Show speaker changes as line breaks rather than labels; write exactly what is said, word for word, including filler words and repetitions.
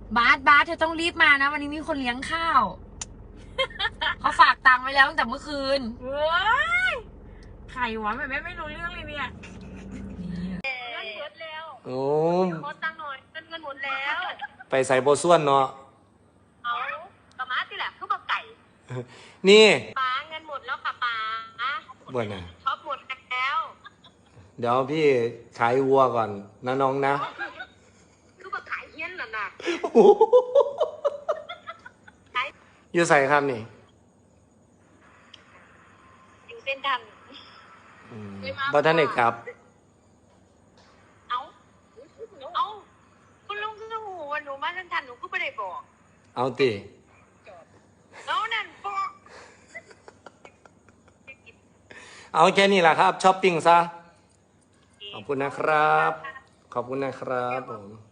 บาสบาสเธอต้องรีบมานะวันนี้มีคนเลี้ยงข้าวเขาฝากตังค์ไว้แล้วตั้งแต่เมื่อคืน
เว้ยใครวะแม่ไม่ไม่รู้เรื่องเลยเนี่ยเงินหมดแล้ว
โอ้
ขอตังค์หน่อยเงินเงินหมดแล้ว
ไปใส่โบส่วนเนาะ
เอาปลาม้าสิแหละคือปลาไก่
นี่
ปลาเงินหมดแล้วค่ะปลา
บ่นน่ะ
ช็อปหมดแล้ว
เดี๋ยวพี่ขายวัวก่อนนะน้องนะ
คือปลาขายเฮี้ยนน่ะนะ
อยู่ใส่ครับนี่
อยู่เส้นทาง
บ่ท่านเอกครับ
เอาเอาคุณลุงคือหูว่าหนูมาเส้นทางหนูก็ไม่ได้บอก
เอาติ
แล้วนั่นบอก
เอาแค่นี้แหละครับช้อปปิ้งซะขอบคุณนะครับขอบคุณนะครับผม